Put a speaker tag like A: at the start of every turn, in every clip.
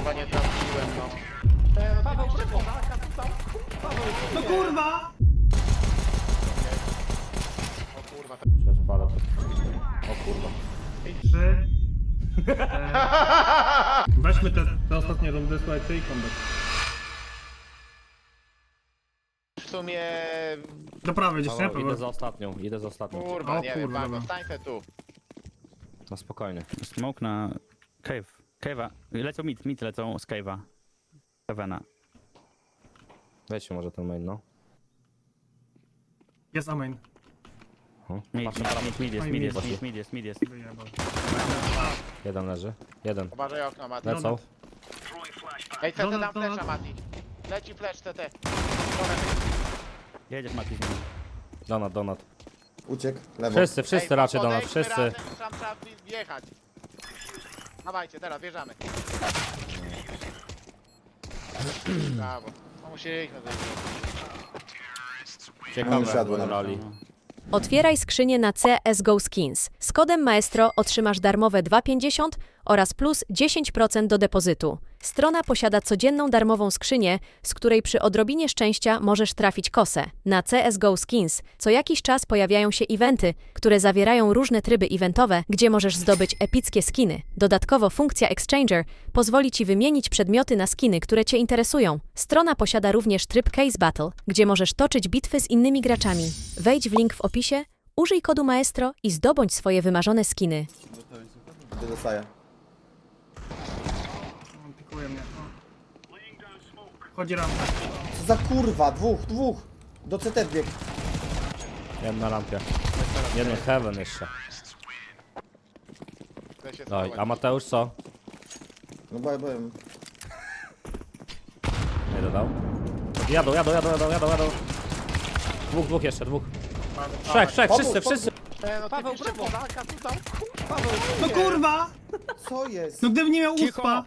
A: kurwa nie trafiłem, no.
B: Paweł, no kurwa!
A: O kurwa,
C: Przespalę. O kurwa.
B: 3. Weźmy te ostatnie rundy, słuchajcie, i comeback.
A: w sumie...
B: Do prawej gdzieś, nie?
C: Idę
B: Paweł?
C: za ostatnią, idę za ostatnią.
A: Kurwa,
B: O
A: nie wiem,
B: kurwa,
A: Pago,
B: dobra.
A: stań se tu.
C: No spokojnie.
D: Smoke na cave. Cave'a. Lecą mid lecą z cave'a. Kevena.
C: Weźcie może ten main, no.
B: Jest amain.
D: Mid jest.
B: Wyjebał.
C: Jeden leży. Jeden.
A: Uważaj okno, Mati.
C: Lecą.
A: Ej, CT
B: Donat,
A: dam flesza,
B: donat.
A: Mati. Leci flash, CT.
D: Jedziesz Mati z nimi.
C: Donat.
E: Uciekł, lewo.
C: Wszyscy raczej do nas,
A: podejdźmy
C: wszyscy.
A: razem, tam trzeba wjechać. Dawajcie, teraz wjeżdżamy. Brawo. No musieliśmy zejść.
C: Ciekawe,
E: siadło nam.
C: rali.
F: Otwieraj skrzynię na CSGO Skins. Z kodem Maestro otrzymasz darmowe 2,50 oraz plus 10% do depozytu. Strona posiada codzienną darmową skrzynię, z której przy odrobinie szczęścia możesz trafić kosę. Na CSGO Skins co jakiś czas pojawiają się eventy, które zawierają różne tryby eventowe, gdzie możesz zdobyć epickie skiny. Dodatkowo funkcja Exchanger pozwoli Ci wymienić przedmioty na skiny, które Cię interesują. Strona posiada również tryb Case Battle, gdzie możesz toczyć bitwy z innymi graczami. Wejdź w link w opisie, użyj kodu Maestro i zdobądź swoje wymarzone skiny.
E: Gdzie dostaję?
B: On pikuje mnie. O. Chodzi rampa.
E: Co za kurwa, dwóch. Do CT bieg.
C: Jeden na lampie. Jeden heaven jeszcze.
A: Chcę się
C: Daj,
A: schować.
C: a Mateusz co?
E: No byłem.
C: Nie dodał. Jadą. Dwóch jeszcze. Trzech, wszyscy.
A: No Paweł, brawo.
B: No kurwa!
E: Co jest?
B: No gdybym nie miał uspa!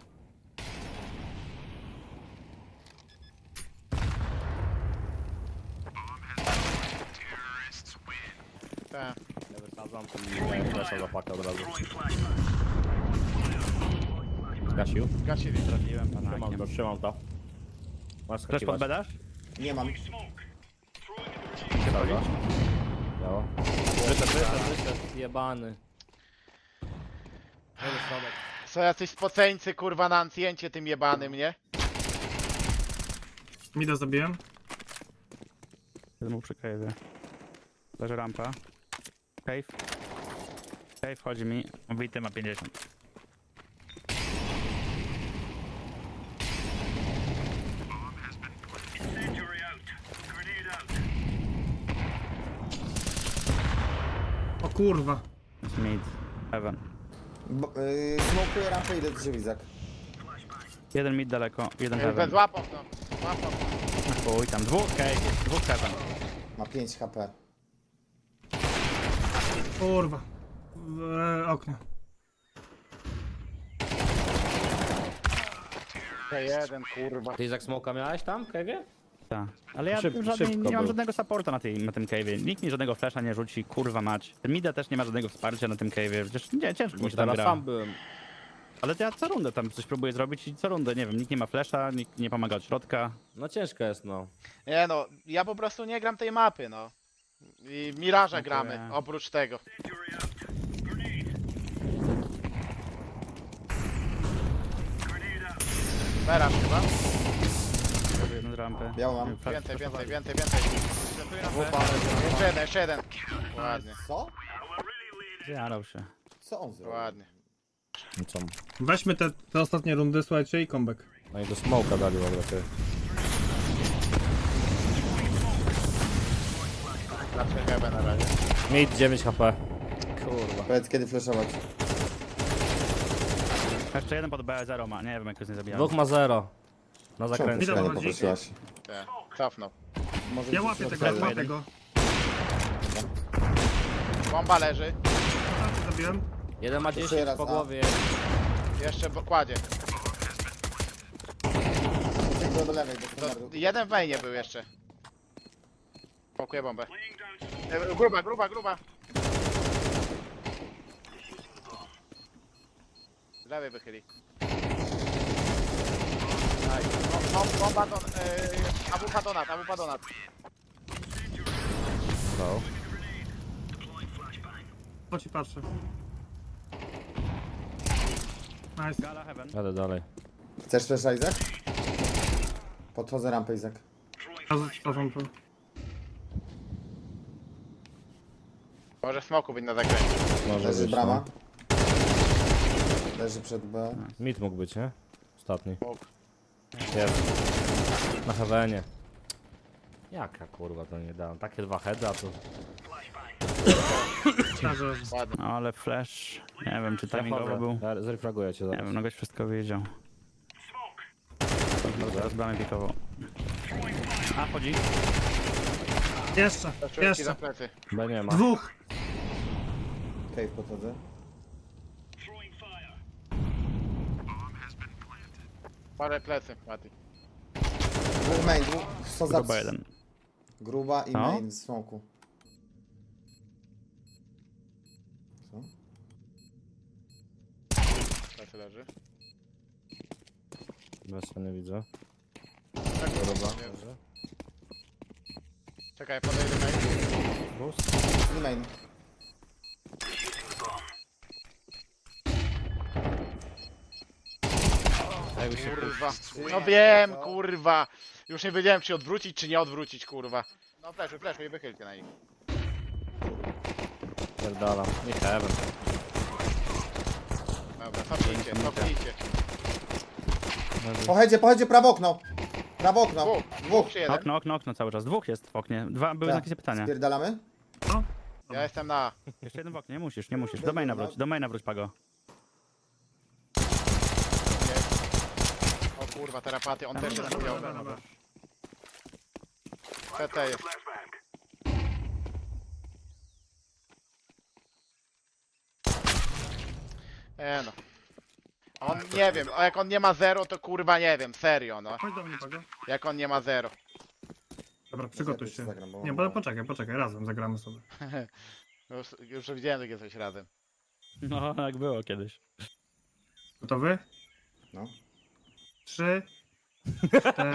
A: Tak.
C: Nie wysadzam, to mi flesza zapaka od razu. Zgasił.
A: Gasili.
D: Trafiłem
C: Trzymam to. Masz
D: Też pod bedasz?
E: Nie mam.
C: Dobra. Biało. Wyszedł. Jebany.
A: Co jacyś spoceńcy, kurwa, na ancjencie tym jebanym, nie?
B: Mida zabiłem.
D: Jeden mu przy cave'ie. Leży rampa. Cave. Cave chodzi mi. Wity ma 50.
B: O kurwa.
D: Jest mid. Heaven.
E: Smokuję rampę, idę do ciebie, Izak.
D: Jeden mid daleko, jeden heaven.
A: Złap okno. Złap okno.
D: Chuj tam. Dwóch cave jest. Dwóch heaven.
E: Ma 5 HP.
B: Kurwa. W oknie.
A: Jeden, kurwa.
C: Ty jak smoka miałeś tam, Kevie?
D: Tak. Ale ja
C: Szybko
D: nie mam
C: był.
D: żadnego supporta na tym cave'ie. Nikt mi żadnego flasha nie rzuci, kurwa mać. Ten Mida też nie ma żadnego wsparcia na tym cave'ie. Przecież nie, ciężko mi
C: Bo
D: się tam
C: teraz
D: gra.
C: sam byłem.
D: Ale ja co rundę tam coś próbuję zrobić i co rundę, nie wiem, nikt nie ma flasha, nikt nie pomaga od środka.
C: No ciężko jest, no.
A: Nie no, ja po prostu nie gram tej mapy, no. I Miraża
D: Dziękuję.
A: gramy, oprócz tego. Meraż chyba?
D: Jeden z rampy.
E: Białą mam.
A: Więcej. Jeszcze jeden. Ładnie,
E: Co?
D: Zjarał się.
E: Co on zrobił?
A: ładnie.
C: No co?
B: Weźmy te ostatnie rundy, słuchajcie, i comeback.
C: No i do smoka dali w ogóle, ty.
A: Zawsze chyba na razie.
C: Mid 9 HP. Kurwa.
E: Powiedz kiedy flashować.
D: Jeszcze jeden pod B0 ma, nie wiem jak go nie zabijałem.
C: Dwóch ma 0. Na
E: Czemu
C: zakręcie.
B: Widzę,
E: nie
B: chodzi.
E: poprosiłaś?
A: Tak, cofnął.
E: Może
B: Ja
E: gdzieś
B: łapię
E: w
B: tego,
E: środku.
B: łapię go.
A: Bomba leży.
B: Zabiłem.
C: Jeden ma 10
E: raz,
C: po
E: a.
C: głowie.
A: Jeszcze kładzie.
E: Uciekł do lewej, do
A: To
E: standardu.
A: jeden w mainie był jeszcze. Pakuję bombę. Gruba. Z lewej wychyli. Bomba don... AWP donat, AWP donat.
C: Go.
B: Po ci patrzę. Nice.
D: Gala heaven.
C: Jadę dalej.
E: Chcesz też Isaac? Podchodzę rampę, Izak.
B: Przepraszam tu.
A: Może smoku być na zakręcie.
C: Może
E: Leży
C: być,
E: brama. Leży przed B.
C: no. Mid mógł być, nie? Ostatni.
A: Mógł.
C: Jest. Na heavenie. Jaka kurwa to nie dałem. Takie dwa heady, a tu...
B: Szczerze.
A: Ładnie.
D: No ale flash. Nie wiem, czy
C: Ja
D: timingowo
C: wchodzę.
D: był.
C: Ja zrefraguję cię
D: Nie
C: zaraz.
D: wiem, no goś wszystko wiedział. Teraz bramy pikował. A, chodzi.
B: Jeszcze,
A: Czuję ci za
B: jeszcze.
C: B
A: plecy.
C: nie ma.
B: Dwóch.
E: Cave podchodzę.
A: Parę plecy, Mati.
E: Dwóch main, dwóch. Co za...
D: Chyba jeden.
E: Gruba i
D: No.
E: main w smoku. Co?
A: Plecy leży.
C: Bez nie widzę.
A: Tak,
C: Dobra.
A: Czekaj, podejdę main.
C: Boost.
E: I main.
A: Kurwa. No wiem, kurwa. Już nie wiedziałem, czy odwrócić, czy nie odwrócić, kurwa. No fleszuj i wychylcie na nich.
C: Pierdala. Nie heaven.
A: Dobra, cofnijcie.
E: Pojedzie, prawo okno. Prawo okno. Dwóch.
A: Czy jeden?
D: Okno cały czas. Dwóch jest w oknie. Dwa były
E: Tak.
D: znaki pytania.
E: Spierdalamy?
A: Ja jestem na...
D: Jeszcze jeden w oknie, nie musisz. Do maina wróć, Pago.
A: O kurwa, terapaty, on też jest chujowy. CT jest. No. On nie wiem, a jak on nie ma 0, to kurwa nie wiem, serio no.
B: Chodź do mnie, Pago.
A: Jak on nie ma 0.
B: Dobra, przygotuj się.
E: Zagram, bo-
B: Nie, bo poczekaj, razem zagramy sobie.
A: Już widziałem takie coś razem.
D: No, jak było kiedyś.
B: Gotowy?
E: No.
B: 3, 4,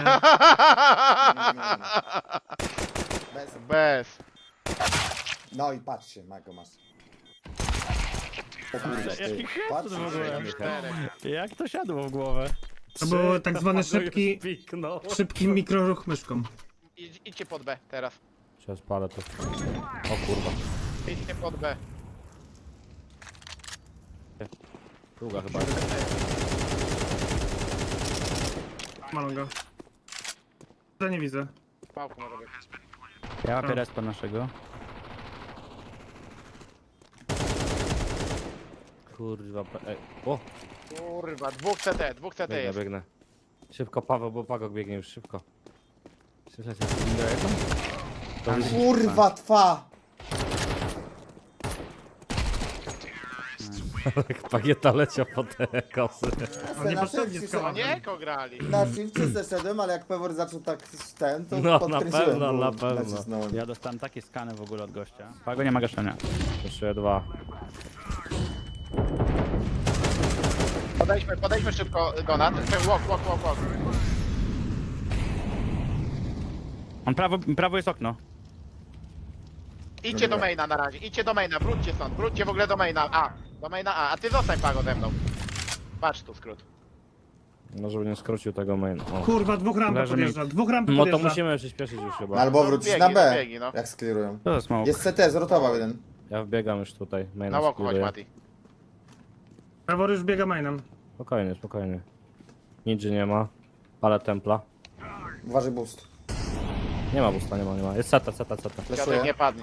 E: Bez.
A: Bez.
E: No i patrzcie, Mago masz. O kurde, ty.
D: Jaki
E: Patrz,
D: w ogóle?
A: Czterech.
D: Jak to siadło w głowę?
B: to był tak zwany szybki mikroruch myszką.
A: Idźcie pod B teraz.
C: Сейчас palę to. O kurwa.
A: Idźcie pod B.
C: Długa chyba.
B: Malonga. To nie widzę.
A: Pałku może być.
D: Ja łapię respa naszego.
C: Kurwa. Ej. O!
A: Kurwa, dwóch CT
C: Biegnę,
A: jest.
C: biegnę. Szybko Paweł, bo Pagok biegnie już szybko.
E: Kurwa, twa!
C: Pagieta leciał po te kosy.
B: On nie
E: Na
B: potrzebnie
E: szybcie
B: skała.
E: szedłem.
A: Nie, grali.
E: Na szybcie zeszedłem, ale jak Pewor zaczął tak ten, to
C: No, na
E: podkręciłem.
C: pewno,
E: bo
C: na pewno.
E: nacisnąłem.
D: Ja dostałem takie skany w ogóle od gościa. Pago nie ma gaszenia.
C: Jeszcze dwa.
A: Podejdźmy szybko do nas. Walk.
D: On prawo jest okno.
A: Idźcie do maina na razie, idźcie do maina, wróćcie stąd, wróćcie w ogóle do maina A. Do maina A ty zostań Pago ze mną. Patrz tu skrót.
C: No żeby nie skrócił tego main. O.
B: Kurwa, dwóch rampy
D: Leży
B: podjeżdża. Dwóch rampy
C: No to
B: podjeżdża.
C: musimy przyspieszyć już chyba.
E: Albo wrócić
A: Biegnij,
E: na B,
A: biegnij, no.
E: jak sklirują.
D: To za smoke.
E: Jest CT, zrotował jeden.
C: Ja wbiegam już tutaj. Main
A: Na łoku chodź Mati.
B: Pewor już biega mainem.
C: Spokojnie. Ninja nie ma. Ale templa.
E: Uważaj boost.
C: Nie ma busta, nie ma. Jest seta.
A: Kwiatek
E: Fleszuję.
A: nie padnie.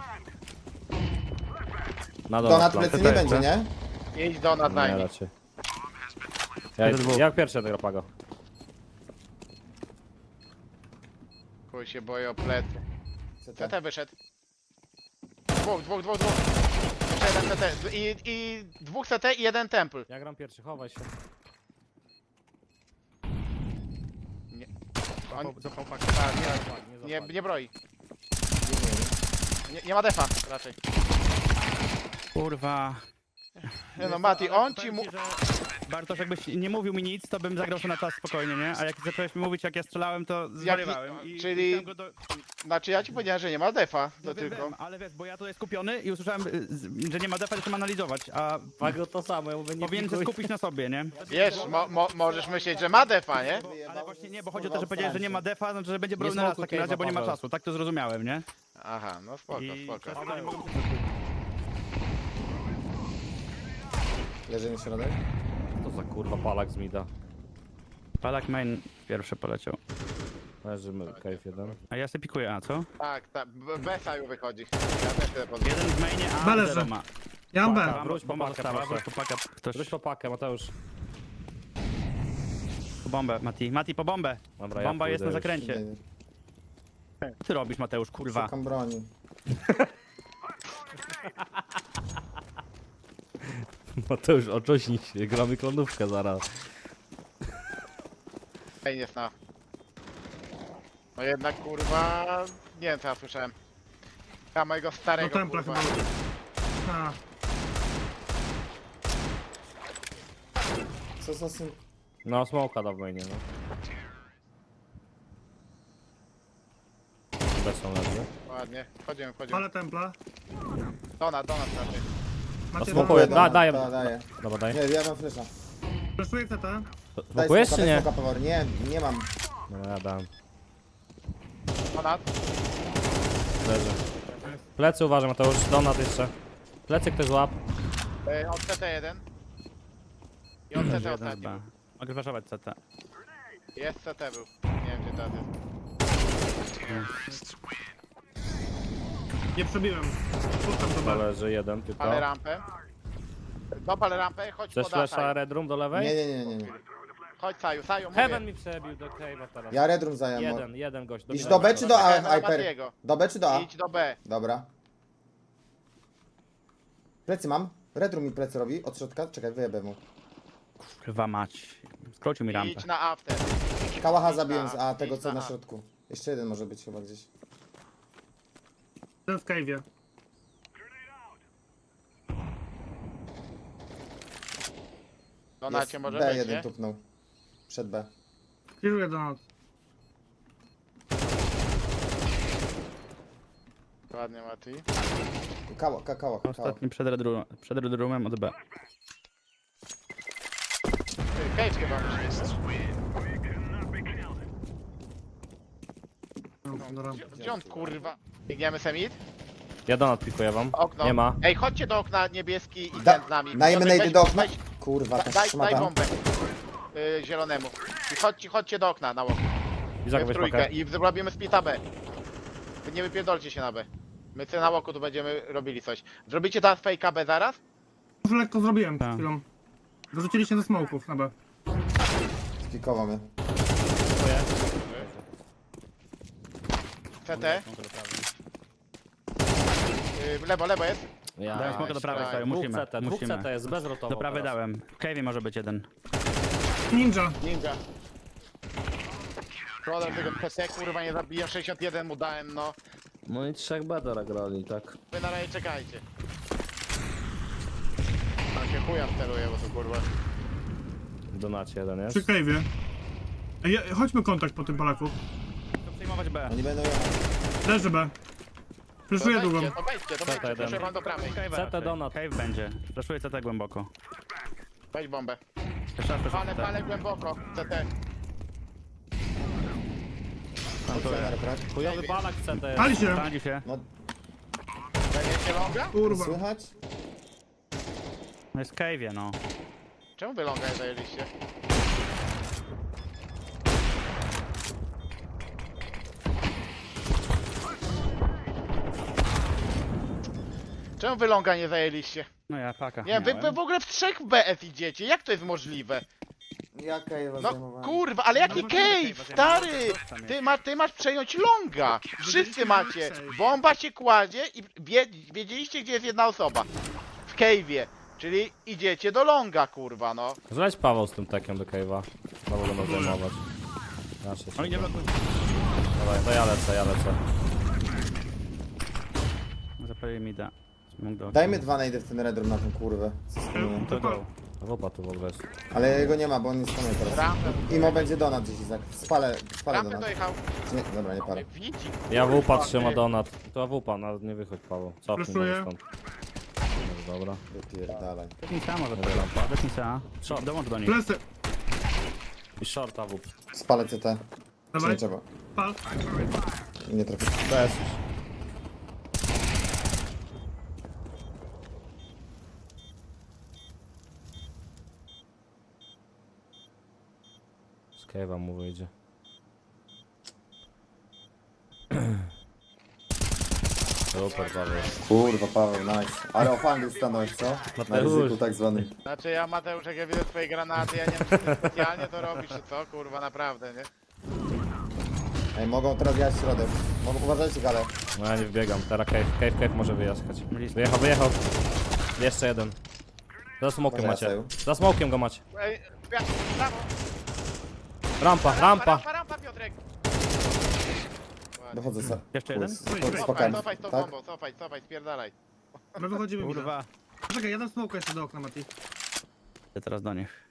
C: Na dole.
E: Donat
C: plan.
E: plecy nie będzie, nie?
A: Idź do nas
C: Nie,
A: najmniej.
C: raczej.
D: Dwóch.
C: Ja pierwszy tego Pago.
A: Chuj się boję o plecy.
E: CT.
A: CT wyszedł. Dwóch. Jeszcze jeden CT. I dwóch CT i jeden temple.
C: Ja gram pierwszy, chowaj się.
A: On,
D: Zapał
A: tak, nie broi. Nie ma defa raczej.
D: Kurwa.
A: Nie no Mati, on ci
D: Powiem
A: mu...
D: ci, że Bartosz, jakbyś nie mówił mi nic, to bym zagrał sobie na czas spokojnie, nie? A jak zacząłeś mi mówić, jak ja strzelałem, to zwariowałem.
A: czyli-
D: chciałem go
A: Znaczy ja ci powiedziałem, że nie ma defa, to
D: No wiem,
A: tylko.
D: wiem, ale wiesz, bo ja tutaj skupiony i usłyszałem, że nie ma defa, zacząłem analizować, a
C: Pago to samo, ja mówię nie
D: powinien się
C: pikuj.
D: skupić na sobie, nie?
A: Wiesz, możesz myśleć, że ma defa, nie?
D: Ale właśnie nie, bo chodzi o to, że powiedziałeś, że nie ma defa, znaczy, że będzie bronił
C: Nie
D: na raz w
C: smokuj
D: takim razie, bo nie ma
C: Paweł.
D: czasu. Tak to zrozumiałem, nie?
A: Aha, no spoko, spoko.
D: przez to nie mogę...
E: Leży mi środek.
C: To za kurwa palak z mida.
D: Palak main pierwszy poleciał.
C: Leżymy, cave jeden.
D: A ja sobie pikuję A, co?
A: Tak, tak, Besaju wychodzi. Ja też tyle podam.
D: Jeden w mainie A,
B: B leży.
D: zero ma.
B: Ja mam
D: Paka,
B: B.
C: Wróć po
D: bomba
C: pakę,
D: została,
C: proszę.
D: wróć po pakę. Ktoś
C: Wróć po pakę, Mateusz.
D: po bombę, Mati. Mati, po bombę.
C: Dobra, ja
D: Bomba jest na
C: pójdę już.
D: zakręcie. Co ty robisz, Mateusz, kurwa?
E: Szukam broni.
C: Mateusz, oczośnij się, gramy klonówkę zaraz.
A: Ej, jest na. No jednak kurwa. Nie wiem co ja słyszałem. Ja mojego
B: Do
A: starego
B: templa
A: kurwa.
B: chyba. A,
E: Co za syn...
C: No, smoka da w mainie, no. Bez są leży.
A: Ładnie. Wchodzimy.
B: palę templa.
A: Donat raczej.
B: Macie
C: smokuję.
B: dwa.
C: Daję.
E: Daję.
C: Dobra, daj.
E: Nie, ja mam flesza.
B: Fleszuję CT.
E: Daj
C: Smokujesz
E: smoka,
C: czy
E: daj
C: nie?
E: smoka, Pewor. Nie, nie mam.
C: No ja dam.
A: Donat.
C: Leży. Plecy uważaj, Mateusz. Donat jeszcze. Plecy ktoś łap.
A: Od CT1. I od CT
D: Jeden z
A: ostatni.
D: B.
A: był.
D: Mogę waszować CT.
A: Jest CT był. Nie wiem gdzie teraz jest.
B: Nie przebiłem. Puszczam to
C: Chyba
B: B.
C: leży jeden tylko.
A: Palę rampę. Dopal rampę, chodź
C: Chcesz
A: poda
C: flasha
A: Saju.
C: Red Room do lewej?
E: Nie.
A: Chodź Saju, Saju mówię.
C: Heaven mi przebił do cave'a teraz.
E: Ja Red Room zająłem.
C: Jeden gość.
E: Idź do B czy do A,
A: Heavena
E: Hyper?
A: Matiego.
E: Do B czy do A?
A: Idź do B.
E: Dobra. Plecy mam. Red Room mi plecy robi. Od środka. Czekaj, wyjebę mu.
D: Kurwa mać. Skrócił mi rampę.
A: Idź na A wtedy.
E: Kałacha zabiłem z A,
A: Idź
E: tego co
A: na
E: na
A: A.
E: środku. Jeszcze jeden może być chyba gdzieś.
B: Ten w cave'ie.
A: Donacie może
E: B
A: być,
E: jeden
A: nie?
E: tupnął. Przed B.
B: Kieruję do nas.
A: Ładnie Mati.
E: Kałach.
D: Ostatni przed Red Roomem od B.
A: Cave chyba musi być.
B: No, do rampy.
A: Gdzie on kurwa? Biegniemy semit?
C: Ja Donat pikuję wam.
A: Okno.
C: Nie ma.
A: Ej, chodźcie do okna niebieski i
E: Da,
A: ten z nami.
E: dajmy
A: Piotrek,
E: najdy
A: weź-
E: do okna.
A: weź-
E: Kurwa, ta
A: Daj
E: szmata.
A: bombę. Zielonemu. I chodźcie do okna na łok.
C: Izak
A: W
C: weź
A: trójkę.
C: pakę.
A: I zrobimy splita B. Wy nie wypierdolcie się na B. My sobie na łoku tu będziemy robili coś. Zrobicie teraz fejka B zaraz?
B: Już lekko zrobiłem przed
D: Tak.
B: chwilą. Wyrzucili się ze smoków na B.
E: Spikował mnie.
A: CT. Lewo jest.
C: Ja.
D: Dałem smoka do prawej,
A: daj.
D: sorry,
C: Dwóch
D: musimy.
C: CT, dwóch CT jest bezrotowo.
D: Do prawej
C: teraz.
D: dałem. W cave'ie może być jeden.
B: Ninja.
A: Ninja. Szkoda tego CT, kurwa nie zabiję. 61 mu dałem, no.
C: No i 3 bedera grali, tak.
A: Wy na razie czekajcie. Tam się chuja steruje, bo to kurwa.
C: W Donacie jeden jest.
B: Przy cave'ie. Ej, chodźmy kontakt po tym Polaku.
D: Chcę przejmować B.
E: Oni będą jechać.
B: Leży B. Fleszuję długą.
A: To wejdźcie,
C: jeden.
A: proszę wam do prawej.
D: Cave
C: Donat.
D: Cave będzie. Flashuję CT głęboko.
A: Weź bombę.
D: Jeszcze raz
A: Palę,
D: CT.
A: palę głęboko. CT.
C: Chujowy balak CT jest.
B: Pali się.
D: Palił się.
E: No,
A: Będziecie longa?
B: Kurwa.
E: słychać?
D: No jest w cave'ie, no.
A: Czemu wy longa nie zajęliście? Czemu wy longa nie zajęliście?
D: No ja paka.
A: Nie, wy
D: miałem.
A: w ogóle w 3 BF idziecie, jak to jest możliwe?
E: Jaka jest
A: No kurwa, ale jaki cave, stary! Ty masz przejąć longa! Wszyscy macie! Bomba się kładzie i wiedzieliście gdzie jest jedna osoba. W cave'ie. Czyli idziecie do longa, kurwa, no.
C: Zleć Paweł z tym tekiem do cave'a. Znowu będą zajmować. Nasze się.
D: Oni nie blokują.
C: Dawaj, to ja lecę.
D: Zapalili mi da. Mógł do...
E: Dajmy dwa najdy w ten Red Room na tą kurwę. Co z tym?
D: To go.
C: Woba tu w ogóle jest.
E: Ale jego nie ma, bo on jest tam teraz.
A: Rampę,
E: Imo będzie donat gdzieś, Izak. Spalę
A: rampę
E: donat.
A: dojechał.
E: Nie, dobra, nie palę.
A: Widzi.
C: Ja wupa trzyma donat. To wupa, nawet nie wychodź Paweł. Cofnij
B: Flashuję.
C: może stąd. No, dobra.
E: Wypierdalaj.
D: Lecnica może to lampa. Lecnica. Dołącz do nich.
B: Plecy.
C: I shorta wup.
E: Spalę CT. Czy
B: Dawaj.
E: nie trzeba?
B: Pal.
E: Nie trafię.
C: Bez. Z cave'a mu wyjdzie. Super, Paweł.
E: Kurwa, Paweł, nice. Ale ofandy stanąłeś, co? Na
C: Mateusz.
E: ryzyku tak zwanym.
A: Znaczy ja Mateusz, jak ja widzę twoje granaty, ja nie wiem, czy ty specjalnie to robisz, czy co, kurwa, naprawdę, nie?
E: Ej, mogą teraz jechać w środek. Uważajcie, gale.
C: No ja nie wbiegam, teraz cave może wyjechać.
D: Blisko.
C: Wyjechał. Jeszcze jeden. Za smokiem
E: Może
C: macie.
E: Jaseł.
C: Za smokiem go macie.
A: Ej, brawo,
C: Rampa.
A: rampa, Piotrek.
E: Dochodzę sa.
D: Jeszcze jeden?
E: Spokojnie.
A: Cofaj z tą
E: Tak?
A: bombą, cofaj, spierdalaj.
B: My wychodzimy.
D: Kurwa.
B: Czekaj, jeden smoke jeszcze do okna, Mati.
D: Idę teraz do nich.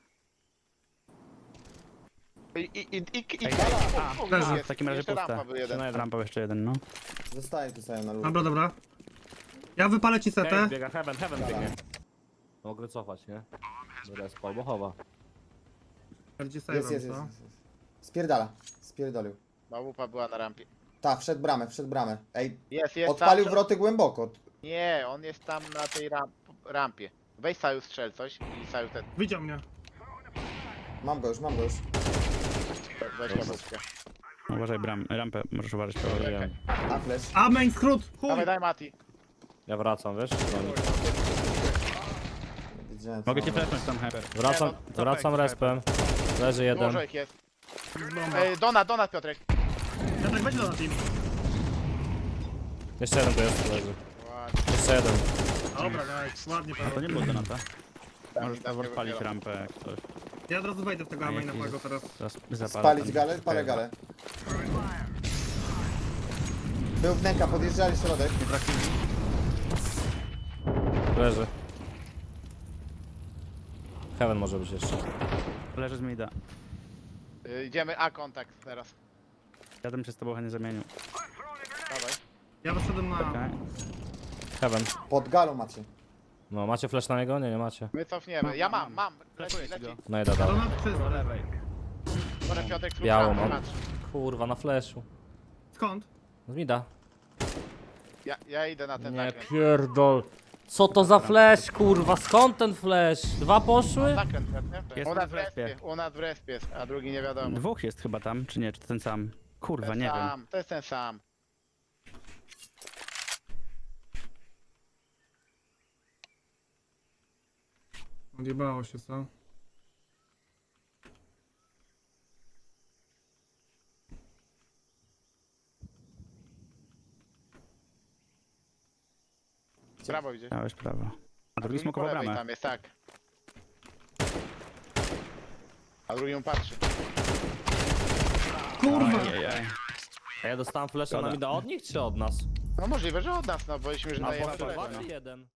B: leży.
D: W takim razie
A: Jeszcze
D: puste.
A: rampa był jeden.
D: Rampa jeszcze jeden, no.
E: Zostaję tu sobie na lód.
B: Dobra, dobra. Ja wypalę ci
C: Cave
B: setę.
C: biega, heaven biegnie. Mogę cofać, nie? Do respa albo chowa.
B: Bardziej
E: Jest,
B: save'em,
E: jest, jest,
B: co?
E: jest. Spierdala. Spierdolił.
A: Małupa była na rampie.
E: Ta, wszedł bramę. Ej,
A: Jest
E: odpalił
A: tam.
E: wroty głęboko.
A: Nie, on jest tam na tej rampie. Weź Saju strzel coś i Saju ten.
B: Widział mnie.
E: Mam go już.
A: Weź kabutkę.
D: Uważaj rampę, możesz uważać.
C: Wiem.
E: A, flash.
B: A, main skrót! Chuj!
A: Dawaj, daj Mati.
C: Ja wracam, wiesz?
E: Widziałem, co
D: Mogę cię
E: mam.
D: flashnąć tam, Hyper.
C: Wracam respem. Leży jeden.
A: Dużo ich jest.
B: Bomba.
A: Ej, donat Piotrek.
B: Ja tak weź do na team.
C: Jeszcze jeden tu jest, leży.
A: Ładnie.
C: Jeszcze jeden.
B: Dobra, nice. Ładnie,
D: A to
B: Paweł.
D: nie było donata.
A: Tam
D: Możesz
A: i tam
D: Paweł
A: nie
D: palić
A: wybiera.
D: rampę jak coś.
B: Ja od razu wejdę w tego maina twojego teraz.
D: Teraz zapalę
E: Spalić
D: ten-
E: galę? Palę galę. Był wnęka, podjeżdżali środek.
C: Leży. Heaven może być jeszcze.
D: Leży z mida.
A: Idziemy A kontakt teraz.
D: Ja bym się z tobą chętnie zamienił.
A: Dawaj.
B: Ja wyszedłem na...
D: Okej.
C: Heaven.
E: Pod galą macie.
C: No, macie flash na niego? Nie macie.
A: My cofniemy. Ja mam.
D: Flashuję ci
A: Leci.
D: go.
C: No i da dalej.
B: Donat czysto.
D: Do lewej.
A: Może Piotrek
C: Białą
A: słucha,
C: mam.
A: patrz.
C: Kurwa, na flashu.
B: Skąd?
C: Z mida.
A: Ja idę na ten
C: Nie
A: zakręt.
C: pierdol. Co to za flash, kurwa? Skąd ten flash? Dwa poszły?
A: Zakręt, nie?
D: Jest
A: U nas
D: w
A: w
D: respie.
A: respie, u nas w respie, jest, a drugi nie wiadomo.
D: Dwóch jest chyba tam, czy nie? Czy to ten sam? Kurwa,
A: Ten
D: nie wiem.
A: sam, to jest ten sam.
B: Odjebało się, co?
A: Prawo idzie.
D: Dałeś prawo. A drugi
A: po
D: smokował
A: lewej
D: bramę.
A: tam jest, tak. A drugi mu patrzy.
B: Kurwa!
D: Ajajaj.
C: A ja dostałem flasha
D: Szkoda.
C: na mida od nich czy od nas?
A: No możliwe, że od nas, no bośmy, że
C: Albo
A: dajemy
C: chyba
A: tyle,
C: dwa
A: no.
C: czy jeden?